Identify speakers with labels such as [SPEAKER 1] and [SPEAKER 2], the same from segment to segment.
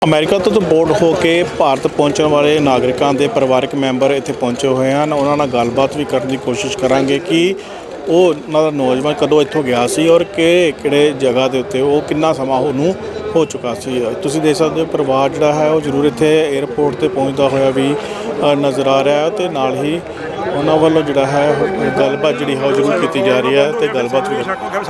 [SPEAKER 1] America ਤੋਂ board ਹੋ ਕੇ ਭਾਰਤ ਪਹੁੰਚਣ ਵਾਲੇ ਨਾਗਰਿਕਾਂ ਦੇ ਪਰਿਵਾਰਕ ਮੈਂਬਰ ਇੱਥੇ ਪਹੁੰਚੇ ਹੋਏ ਹਨ। ਉਹਨਾਂ ਨਾਲ ਗੱਲਬਾਤ ਵੀ ਕਰਨ ਦੀ ਕੋਸ਼ਿਸ਼ ਕਰਾਂਗੇ ਕਿ ਉਹ ਉਹਨਾਂ ਦਾ ਨੌਜਵਾਨ ਕਦੋਂ ਇੱਥੋਂ ਗਿਆ ਸੀ ਔਰ ਕਿਹੜੇ ਜਗ੍ਹਾ ਦੇ ਉੱਤੇ ਉਹ ਕਿੰਨਾ ਸਮਾਂ ਉਹਨੂੰ ਹੋ ਚੁੱਕਾ ਸੀ। ਤੁਸੀਂ ਦੇਖ ਸਕਦੇ ਹੋ ਪਰਿਵਾਰ ਜਿਹੜਾ ਹੈ ਉਹ ਜ਼ਰੂਰ ਇੱਥੇ ਏਅਰਪੋਰਟ 'ਤੇ ਪਹੁੰਚਦਾ ਹੋਇਆ ਵੀ ਨਜ਼ਰ ਆ ਰਿਹਾ ਅਤੇ ਨਾਲ ਹੀ ਉਹਨਾਂ ਵੱਲੋਂ ਜਿਹੜਾ ਹੈ ਗੱਲਬਾਤ ਜਿਹੜੀ ਹੈ ਉਹ ਜ਼ਰੂਰ ਕੀਤੀ ਜਾ ਰਹੀ ਹੈ ਅਤੇ ਗੱਲਬਾਤ ਵੀ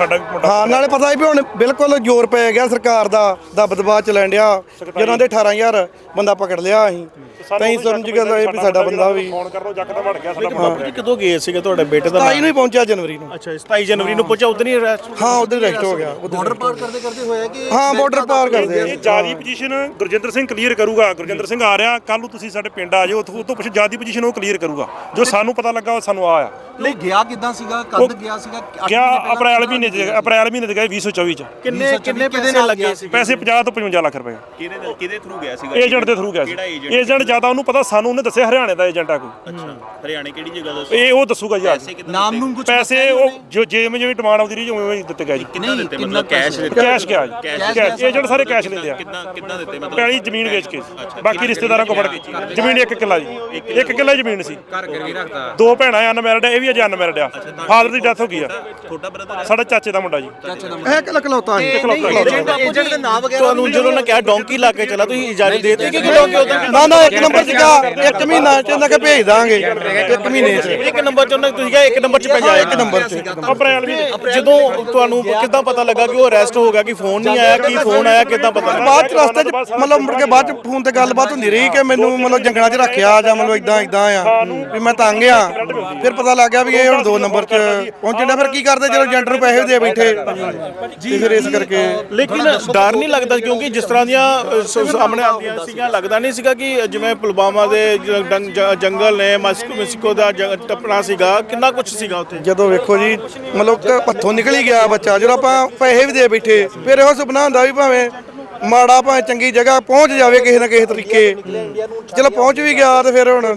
[SPEAKER 2] ਹਾਂ ਨਾਲੇ ਪਤਾ ਹੈ ਵੀ ਹੁਣ ਬਿਲਕੁਲ ਜ਼ੋਰ ਪੈ ਗਿਆ ਸਰਕਾਰ ਦਾ ਦਬਦਬਾ ਚੱਲਣ ਡਿਆ ਜਿਹਨਾਂ ਦੇ 18000 ਬੰਦਾ ਪਕੜ ਲਿਆ ਅਸੀਂ ਤਾਂ ਹੀ ਸਮਝ ਗਏ ਵੀ ਸਾਡਾ ਬੰਦਾ ਵੀ
[SPEAKER 1] ਫੋਨ ਕਰ ਲਓ ਜੱਕ ਤਾਂ ਵੜ ਗਿਆ ਸਾਡਾ ਬਾਬਾ ਜੀ। ਕਦੋਂ ਗਏ ਸੀਗੇ ਤੁਹਾਡੇ ਬੇਟੇ ਦਾ?
[SPEAKER 2] 27 ਨੂੰ ਹੀ ਪਹੁੰਚਿਆ ਜਨਵਰੀ ਨੂੰ।
[SPEAKER 1] ਅੱਛਾ 27 ਜਨਵਰੀ ਨੂੰ ਪਹੁੰਚਿਆ ਉਦੋਂ ਹੀ ਅਰੈਸਟ?
[SPEAKER 2] ਹਾਂ ਉਦੋਂ ਹੀ ਅਰੈਸਟ ਹੋ ਗਿਆ।
[SPEAKER 3] ਬਾਰਡਰ ਪਾਰ ਕਰਦੇ ਹੋਇਆ ਕਿ
[SPEAKER 2] ਹਾਂ ਬਾਰਡਰ ਪਾਰ ਕਰਦੇ
[SPEAKER 4] ਇਹ ਜਿਆਦੀ ਪੋਜੀਸ਼ਨ ਗੁਰਜਿੰਦਰ ਸਿੰਘ ਕਲੀਅਰ ਕਰੂਗਾ। ਗੁਰਜਿੰਦਰ ਸਿੰਘ ਆ ਰਿਹਾ ਕੱਲ ਨੂੰ, ਤੁਸੀਂ ਸਾਡੇ ਪਿੰਡ ਆ ਜਾਓ, ਉਹ ਤੋਂ ਪਿੱਛੇ ਜਿਆਦੀ ਪੋਜੀਸ਼ਨ ਉਹ ਕਲੀਅਰ ਕਰੂਗਾ। ਜੋ ਸਾਨੂੰ ਪਤਾ ਲੱਗਾ ਉਹ ਸਾਨੂੰ ਆ
[SPEAKER 3] ਨਹੀਂ ਗਿਆ ਕਿੱਦਾਂ ਸੀਗਾ, ਕਦ ਗਿਆ ਸੀਗਾ?
[SPEAKER 4] ਗਿਆ ਅਪ੍ਰੈਲ ਮਹੀਨੇ ਚ ਗਏ 2024 ਚ।
[SPEAKER 1] ਕਿੰਨੇ ਪੈਸੇ ਲੱਗੇ ਸੀ?
[SPEAKER 4] ਪੈਸੇ 50 ਤੋਂ 55 ਲੱਖ ਰੁਪਏ।
[SPEAKER 5] ਕਿਹਦੇ ਥਰੂ ਗਿਆ ਸੀਗਾ?
[SPEAKER 4] ਏਜੰਟ ਦੇ ਥਰੂ ਗਿਆ ਸੀ। ਏਜੰਟ ਜਿਆਦਾ ਉਹਨੂੰ ਪਤਾ, ਸਾਨੂੰ ਉਹਨੇ ਦੱਸਿਆ ਹਰਿਆਣੇ ਦਾ ਏਜੰਟ ਆ ਕੋਈ।
[SPEAKER 5] ਅੱਛਾ ਹਰਿਆਣੇ ਕਿਹੜੀ ਜਗ੍ਹਾ ਦਾ?
[SPEAKER 4] ਇਹ ਉਹ ਦੱਸੂਗਾ ਜੀ।
[SPEAKER 3] ਨਾਮ ਨੂੰ ਕੁਝ
[SPEAKER 4] ਪੈਸੇ ਉਹ ਜੋ ਜਿਵੇਂ ਡਿਮਾਂਡ ਆਉਂਦੀ ਰਹੀ ਉਵੇਂ ਹੀ ਦਿੱਤੇ ਗਏ ਜੀ।
[SPEAKER 5] ਕਿੰਨਾ ਦਿੱਤੇ? ਮਤਲਬ ਕੈਸ਼ ਦਿੱਤੇ?
[SPEAKER 4] ਕੈਸ਼ ਗਿਆ ਜੀ। ਕੈਸ਼ ਏਜੰਟ ਸਾਰੇ ਕੈਸ਼ ਲੈਂਦੇ ਆ।
[SPEAKER 5] ਕਿੰਨਾ ਦਿੱਤੇ ਮਤਲਬ?
[SPEAKER 4] ਪਹਿਲੀ ਜ਼ਮੀਨ ਵੇਚ ਕੇ, ਬਾਕੀ ਰਿਸ਼ਤੇਦਾਰਾਂ ਕੋਲ ਫੜ ਕੇ। ਜ਼ਮੀਨ 1 ਕਿੱਲਾ ਜੀ, 1 ਕਿੱਲਾ ਜ਼ਮੀਨ ਸੀ।
[SPEAKER 5] ਘਰ ਗਿਰਵੀ ਰੱਖਦਾ?
[SPEAKER 4] 2 ਭੈਣਾਂ ਅਨਮੈਰਿਡ, ਇਹ ਵੀ ਅਜੇ ਅਨਮੈਰਿਡ ਆ। ਫਾਦਰ ਦੀ ਡੈਥ ਹੋ ਗਈ ਆ।
[SPEAKER 5] ਛੋਟਾ ਬ੍ਰਦਰ
[SPEAKER 4] ਸਾਡਾ ਚਾਚੇ ਦਾ ਮੁੰਡਾ ਜੀ।
[SPEAKER 2] ਇਹ ਇਕਲੌਤਾ ਸੀ।
[SPEAKER 3] ਏਜੰਟ ਦੇ ਨਾਮ ਵਗੈਰਾ
[SPEAKER 1] ਤੁਹਾਨੂੰ ਜਦੋਂ ਉਹਨੇ ਕਿਹਾ ਡੋਂਕੀ ਲਾ ਕੇ ਚਲਾ ਤੁਸੀਂ ਇਜਾਜ਼ਤ ਦੇ ਦਿੱਤੀ ਕਿ ਡੋਂਕੀ ਉਦੋਂ?
[SPEAKER 2] ਨਾ 1 ਨੰਬਰ 'ਚ ਗਿਆ 1 ਮਹੀਨਾ 'ਚ ਇਹਨਾਂ ਕੇ ਭੇਜ ਦਾਂਗੇ 1 ਮਹੀਨੇ 'ਚ।
[SPEAKER 1] 1 ਨੰਬਰ 'ਚ ਉਹਨੇ ਤੁਸੀਂ ਕਿਹਾ 1 ਨੰਬਰ 'ਚ ਭੇਜਿਆ?
[SPEAKER 2] 1 ਨੰਬਰ 'ਚ
[SPEAKER 4] ਅਪ੍ਰੈਲ ਵੀ
[SPEAKER 1] ਜਦੋਂ ਤੁਹਾਨੂੰ ਕਿੱਦਾਂ ਪਤਾ ਲੱਗਾ ਕਿ ਉਹ ਅਰੈਸਟ ਹੋ ਗਿਆ? ਕਿ ਫੋਨ ਨਹੀਂ ਆਇਆ? ਕੀ ਫੋਨ ਆਇਆ? ਕਿੱਦਾਂ ਪਤਾ ਲੱਗਾ?
[SPEAKER 2] ਬਾਅਦ 'ਚ ਰਸਤੇ 'ਚ ਮਤਲਬ ਮੁੜ ਕੇ ਬਾਅਦ 'ਚ ਫੋਨ ਤੇ ਗੱਲਬਾਤ ਹੁੰਦੀ ਰਹੀ ਕਿ ਮੈਨੂੰ ਮਤਲਬ ਜੰਗਲਾਂ 'ਚ ਰੱਖਿਆ ਜਾਂ ਮਤਲਬ ਇਦਾਂ ਆ ਵੀ ਮੈਂ ਤੰਗ ਆ। ਫਿਰ ਪਤਾ ਲੱਗ ਗਿਆ ਵੀ ਇਹ ਹੁਣ 2 ਨੰਬਰ 'ਚ ਪਹੁੰਚਣਾ। ਫਿਰ ਕੀ ਕਰਦੇ ਜਦੋਂ ਏਜੰਟ ਨੂੰ ਪੈਸੇ ਦੇ ਬੈਠੇ ਤੇ ਫਿਰ ਇਸ ਕਰਕੇ।
[SPEAKER 1] ਲੇਕਿਨ ਡਰ ਨਹੀਂ ਲੱਗਦਾ ਕਿਉਂਕਿ ਜਿਸ ਤਰ੍ਹਾਂ ਦੀਆਂ ਸਾਹਮਣੇ ਆਉਂਦੀਆਂ ਸੀਗੀਆਂ, ਲੱਗਦਾ ਨਹੀਂ ਸੀਗਾ ਕਿ ਜਿਵੇਂ ਪੁਲਵਾਮਾ ਦੇ ਜੰਗਲ ਨੇ, ਮੈਕਸੀਕੋ ਦਾ ਟੱਪਣਾ ਸੀਗਾ, ਕਿੰਨਾ ਕੁਝ ਸੀਗਾ ਉੱਥੇ?
[SPEAKER 2] ਜਦੋਂ ਵੇਖੋ ਜੀ ਮਤਲਬ ਹੱਥੋਂ ਨਿਕਲ ਹੀ ਗਿਆ ਬੱਚਾ, ਜਦੋਂ ਆਪਾਂ ਪੈਸੇ ਵੀ ਦੇ ਬੈਠੇ ਫਿਰ ਇਹੋ ਸੁਪਨਾ ਹੁੰਦਾ ਵੀ ਭਾਵੇਂ ਮਾੜਾ ਭਾਵੇਂ ਚੰਗੀ ਜਗ੍ਹਾ ਪਹੁੰਚ ਜਾਵੇ ਕਿਸੇ ਨਾ ਕਿਸੇ ਤਰੀਕੇ। ਚਲੋ ਪਹੁੰਚ ਵੀ ਗਿਆ ਤੇ ਫਿਰ ਹੁਣ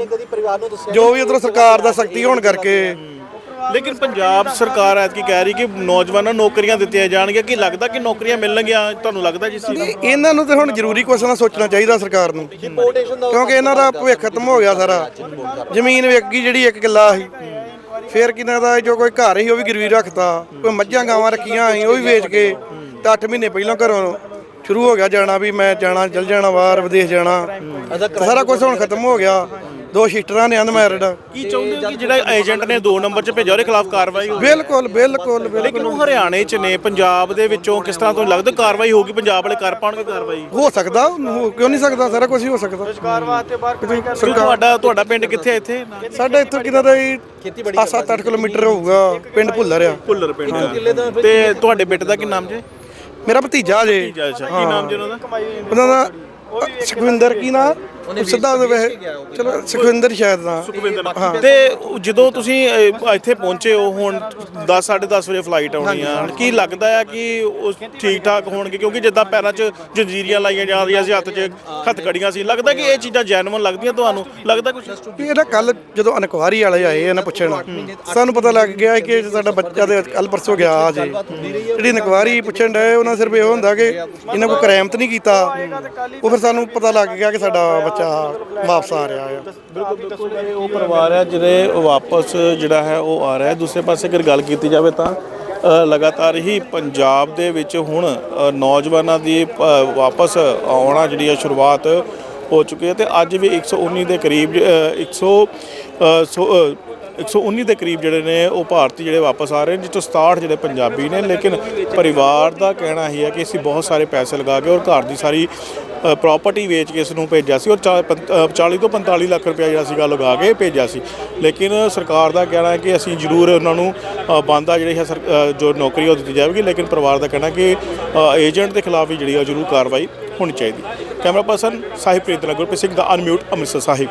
[SPEAKER 2] ਜੋ ਵੀ ਉਧਰੋਂ ਸਰਕਾਰ ਦਾ ਸਖਤੀ ਹੋਣ ਕਰਕੇ।
[SPEAKER 1] ਲੇਕਿਨ ਪੰਜਾਬ ਸਰਕਾਰ ਐਤਕੀ ਕਹਿ ਰਹੀ ਕਿ ਨੌਜਵਾਨਾਂ ਨੂੰ ਨੌਕਰੀਆਂ ਦਿੱਤੀਆਂ ਜਾਣਗੀਆਂ। ਕੀ ਲੱਗਦਾ ਕਿ ਨੌਕਰੀਆਂ ਮਿਲਣਗੀਆਂ ਤੁਹਾਨੂੰ? ਲੱਗਦਾ ਜਿਸ ਚੀਜ਼
[SPEAKER 2] ਨਹੀਂ, ਇਹਨਾਂ ਨੂੰ ਤੇ ਹੁਣ ਜ਼ਰੂਰੀ ਕੁਛ ਨਾ ਸੋਚਣਾ ਚਾਹੀਦਾ ਸਰਕਾਰ ਨੂੰ, ਕਿਉਂਕਿ ਇਹਨਾਂ ਦਾ ਭਵਿੱਖ ਖਤਮ ਹੋ ਗਿਆ ਸਾਰਾ। ਜ਼ਮੀਨ ਵੇਚ ਗਈ ਜਿਹੜੀ 1 ਕਿੱਲਾ ਸੀ, ਫਿਰ ਕਿਨਾਂ ਦਾ ਜੋ ਕੋਈ ਘਰ ਸੀ ਉਹ ਵੀ ਗਿਰਵੀ ਰੱਖਤਾ, ਕੋਈ ਮੱਝਾਂ ਗਾਵਾਂ ਰੱਖੀਆਂ ਸੀ ਉਹ ਵੀ ਵੇਚ ਕੇ ਤੇ 8 ਮਹੀਨੇ ਪਹਿਲਾਂ ਘਰੋਂ ਸ਼ੁਰੂ ਹੋ ਗਿਆ ਜਾਣਾ ਵੀ ਮੈਂ ਜਾਣਾ, ਚਲ ਜਾਣਾ ਬਾਹਰ ਵਿਦੇਸ਼ ਜਾਣਾ। ਸਾਰਾ ਕੁਝ ਹੁਣ ਖਤਮ ਹੋ ਗਿਆ। 2 ਸਿਸਟਰਾਂ ਨੇ ਅਨਮੈਰਿਡ।
[SPEAKER 1] ਕੀ ਚਾਹੁੰਦੇ ਹੋ ਕਿ ਜਿਹੜਾ ਏਜੰਟ ਨੇ 2 ਨੰਬਰ 'ਚ ਭੇਜਿਆ ਉਹਦੇ ਖਿਲਾਫ ਕਾਰਵਾਈ ਹੋਵੇ?
[SPEAKER 2] ਬਿਲਕੁਲ
[SPEAKER 1] ਲੇਕਿਨ ਉਹ ਹਰਿਆਣੇ 'ਚ ਨੇ, ਪੰਜਾਬ ਦੇ ਵਿੱਚੋਂ ਕਿਸ ਤਰ੍ਹਾਂ ਤੁਹਾਨੂੰ ਲੱਗਦਾ ਕਾਰਵਾਈ ਹੋਊਗੀ? ਪੰਜਾਬ ਵਾਲੇ ਕਰ ਪਾਉਣਗੇ ਕਾਰਵਾਈ?
[SPEAKER 2] ਹੋ ਸਕਦਾ, ਕਿਉਂ ਨਹੀਂ ਸਕਦਾ? ਸਾਰਾ ਕੁਝ ਹੀ ਹੋ ਸਕਦਾ।
[SPEAKER 1] ਤੁਹਾਡਾ ਪਿੰਡ ਕਿੱਥੇ ਹੈ ਇੱਥੇ?
[SPEAKER 2] ਸਾਡਾ ਇੱਥੋਂ ਕਿੰਨਾ ਦਾ 7-8 ਕਿਲੋਮੀਟਰ ਹੋਊਗਾ, ਪਿੰਡ ਭੁੱਲਰ ਆ।
[SPEAKER 1] ਭੁੱਲਰ ਪਿੰਡ। ਤੇ ਤੁਹਾਡੇ ਬੇਟੇ ਦਾ ਕੀ ਨਾਮ ਜੇ?
[SPEAKER 2] ਮੇਰਾ ਭਤੀਜਾ ਜੇ।
[SPEAKER 1] ਅੱਛਾ ਕੀ ਨਾਮ ਜੀ ਉਹਨਾਂ ਦਾ?
[SPEAKER 2] ਉਹਨਾਂ ਦਾ ਸੁਖਵਿੰਦਰ ਕੀ ਨਾ ਸਿੱਧਾ ਚਲੋ ਸੁਖਵਿੰਦਰ ਸ਼ਾਇਦ ਦਾ।
[SPEAKER 1] ਤੇ ਜਦੋਂ ਤੁਸੀਂ ਇੱਥੇ ਪਹੁੰਚੇ ਹੋ, ਹੁਣ 10-10:30 ਵਜੇ ਫਲਾਈਟ ਆਉਣੀ ਆ, ਕੀ ਲੱਗਦਾ ਹੈ ਕਿ ਉਹ ਠੀਕ ਠਾਕ ਹੋਣਗੇ? ਕਿਉਂਕਿ ਜਿੱਦਾਂ ਪੈਰਾਂ 'ਚ ਜੰਜੀਰੀਆਂ ਲਾਈਆਂ ਜਾ ਰਹੀਆਂ ਸੀ, ਹੱਥ 'ਚ ਹੱਥਕੜੀਆਂ ਸੀ, ਲੱਗਦਾ ਕਿ ਇਹ ਚੀਜ਼ਾਂ ਜੈਨੂਇਨ ਲੱਗਦੀਆਂ ਤੁਹਾਨੂੰ? ਲੱਗਦਾ ਕੁਝ?
[SPEAKER 2] ਇਹਦਾ ਕੱਲ ਜਦੋਂ ਇਨਕੁਆਰੀ ਵਾਲੇ ਆਏ ਇਹਨਾਂ ਪੁੱਛਣ, ਸਾਨੂੰ ਪਤਾ ਲੱਗ ਗਿਆ ਕਿ ਸਾਡਾ ਬੱਚਾ ਦੇ ਕੱਲ ਪਰਸੋਂ ਗਿਆ ਜੇ। ਜਿਹੜੀ ਇਨਕੁਆਰੀ ਪੁੱਛਣ ਡਏ ਉਹਨਾਂ ਸਿਰਫ ਇਹ ਹੁੰਦਾ ਕਿ ਇਹਨਾਂ ਕੋਈ ਕ੍ਰਾਈਮ ਤਾਂ ਨਹੀਂ ਕੀਤਾ। ਉਹ ਫਿਰ ਸਾਨੂੰ ਪਤਾ ਲੱਗ ਗਿਆ ਕਿ ਸਾਡਾ ਬੱਚਾ ਵਾਪਸ ਆ ਰਿਹਾ ਆ।
[SPEAKER 1] ਬਿਲਕੁਲ ਉਹ ਪਰਿਵਾਰ ਹੈ ਜਿਹੜੇ ਵਾਪਸ ਜਿਹੜਾ ਹੈ ਉਹ ਆ ਰਿਹਾ ਹੈ। ਦੂਸਰੇ ਪਾਸੇ ਅਗਰ ਗੱਲ ਕੀਤੀ ਜਾਵੇ ਤਾਂ ਲਗਾਤਾਰ ਹੀ ਪੰਜਾਬ ਦੇ ਵਿੱਚ ਹੁਣ ਨੌਜਵਾਨਾਂ ਦੀ ਵਾਪਸ ਆਉਣਾ ਜਿਹੜੀ ਹੈ ਸ਼ੁਰੂਆਤ ਹੋ ਚੁੱਕੀ ਹੈ। ਤੇ ਅੱਜ ਵੀ 119 ਦੇ ਕਰੀਬ 119 ਦੇ ਕਰੀਬ ਜਿਹੜੇ ਨੇ ਉਹ ਭਾਰਤੀ ਜਿਹੜੇ ਵਾਪਸ ਆ ਰਹੇ ਨੇ, ਜਿਸ ਤੋਂ 67 ਜਿਹੜੇ ਪੰਜਾਬੀ ਨੇ। ਲੇਕਿਨ ਪਰਿਵਾਰ ਦਾ ਕਹਿਣਾ ਹੀ ਹੈ ਕਿ ਅਸੀਂ ਬਹੁਤ ਸਾਰੇ ਪੈਸੇ ਲਗਾ ਕੇ ਔਰ ਘਰ ਦੀ ਸਾਰੀ ਪ੍ਰਾਪਰਟੀ ਵੇਚ ਕੇ ਇਸ ਨੂੰ ਭੇਜਿਆ ਸੀ ਔਰ 40 ਤੋਂ 45 ਲੱਖ ਰੁਪਇਆ ਜਿਹੜਾ ਸੀਗਾ ਲਗਾ ਕੇ ਭੇਜਿਆ ਸੀ। ਲੇਕਿਨ ਸਰਕਾਰ ਦਾ ਕਹਿਣਾ ਹੈ ਕਿ ਅਸੀਂ ਜ਼ਰੂਰ ਉਹਨਾਂ ਨੂੰ ਬੰਦਾ ਜਿਹੜੀ ਹੈ ਜੋ ਨੌਕਰੀ ਉਹ ਦਿੱਤੀ ਜਾਵੇਗੀ। ਲੇਕਿਨ ਪਰਿਵਾਰ ਦਾ ਕਹਿਣਾ ਕਿ ਏਜੰਟ ਦੇ ਖਿਲਾਫ ਵੀ ਜਿਹੜੀ ਹੈ ਜ਼ਰੂਰ ਕਾਰਵਾਈ ਹੋਣੀ ਚਾਹੀਦੀ। ਕੈਮਰਾ ਪਰਸਨ ਸਾਹਿਬ ਪ੍ਰੀਤ ਨਾਲ ਗੁਰਪ੍ਰੀਤ ਸਿੰਘ ਦਾ ਅਨਮਿਊਟ ਅੰਮ੍ਰਿਤਸਰ ਸਾਹਿਬ।